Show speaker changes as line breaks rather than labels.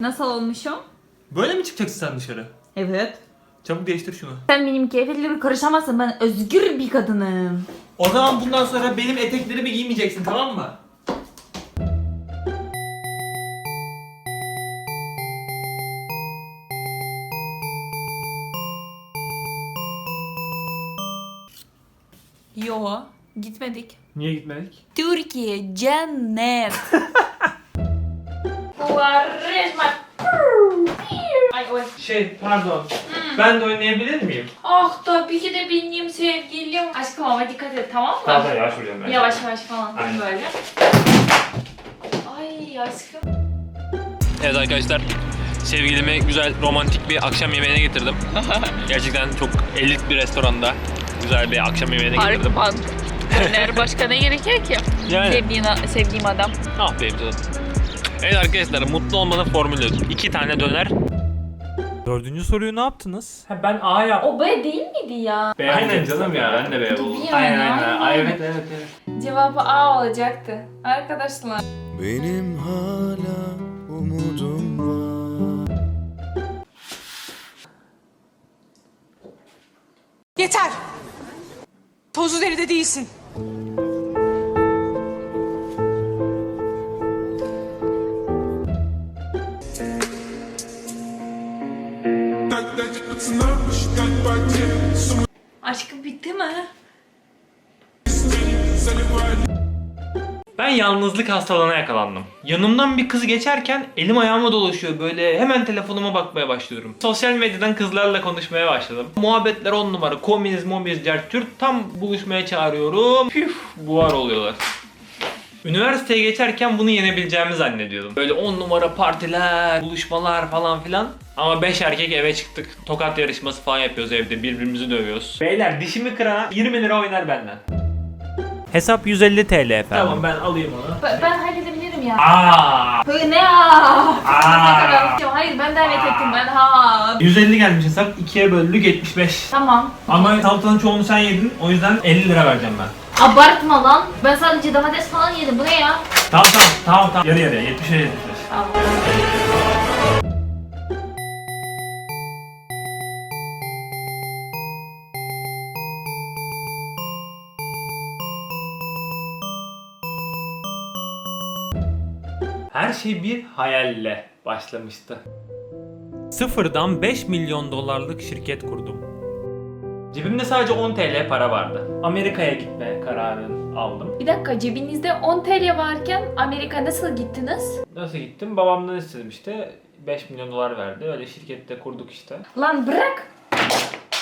Nasıl olmuşum?
Böyle mi çıkacaksın sen dışarı?
Evet.
Çabuk değiştir şunu.
Sen benim keyfetlerime karışamazsın. Ben özgür bir kadınım.
O zaman bundan sonra benim eteklerimi giymeyeceksin, tamam mı?
Yo, gitmedik.
Niye gitmedik?
Türkiye cennet. Resmen. Ay oy.
Pardon. Ben de oynayabilir miyim?
Ah tabii ki de benim sevgilim. Aşkım ama dikkat et, tamam mı?
Tamam, yavaş vuracağım ben.
Yavaş yavaş falan
Aynen.
böyle. Ay aşkım.
Evet arkadaşlar, sevgilime güzel romantik bir akşam yemeğine getirdim. Gerçekten çok elit bir restoranda güzel bir akşam yemeğine getirdim.
Döner başka ne gerekiyor ki?
Yani.
Sevdiğim adam.
Ah benim canım. Evet arkadaşlar, mutlu olmanın formülü. 2 tane döner.
Dördüncü soruyu ne yaptınız?
Ben A yaptım.
O B değil miydi ya?
Aynen canım ya, ben de B
Tabii
buldum.
yani,
Aynen. Ay,
aynen.
evet.
Cevabı A olacaktı. Arkadaşlar.
Benim hala umudum var.
Yeter. Tozlu deride değilsin.
Aşkım bitti mi?
Ben yalnızlık hastalığına yakalandım. Yanımdan bir kız geçerken elim ayağıma dolaşıyor, böyle hemen telefonuma bakmaya başlıyorum. Sosyal medyadan kızlarla konuşmaya başladım. Muhabbetler 10 numara, kominiz, mobiz, Türk tam buluşmaya çağırıyorum. Püf, buhar oluyorlar. Üniversiteye geçerken bunu yenebileceğimi zannediyordum. Böyle 10 numara partiler, buluşmalar falan filan. Ama 5 erkek eve çıktık. Tokat yarışması falan yapıyoruz evde, birbirimizi dövüyoruz. Beyler, dişimi kırana 20 lira oynar benden.
Hesap 150 TL efendim.
Tamam, ben alayım onu.
Ben halledebilirim ya.
Aa!
Böyle ne ya? Hayır ben davet ettim ben ha.
150 gelmiş hesap, 2'ye böldük 75.
Tamam.
Ama salatanın çoğunu sen yedin, o yüzden 50 lira vereceğim ben.
Abartma lan. Ben sadece domates falan yedim. Bu ne ya?
Tamam. Yarı yarıya, 70'e 75.
Tamam.
Her şey bir hayalle başlamıştı.
Sıfırdan 5 milyon dolarlık şirket kurdum.
Cebimde sadece 10 TL para vardı. Amerika'ya gitme kararını aldım.
Bir dakika, cebinizde 10 TL varken Amerika nasıl gittiniz?
Nasıl gittim? Babamdan istedim işte. 5 milyon dolar verdi. Öyle şirkette kurduk işte.
Lan bırak.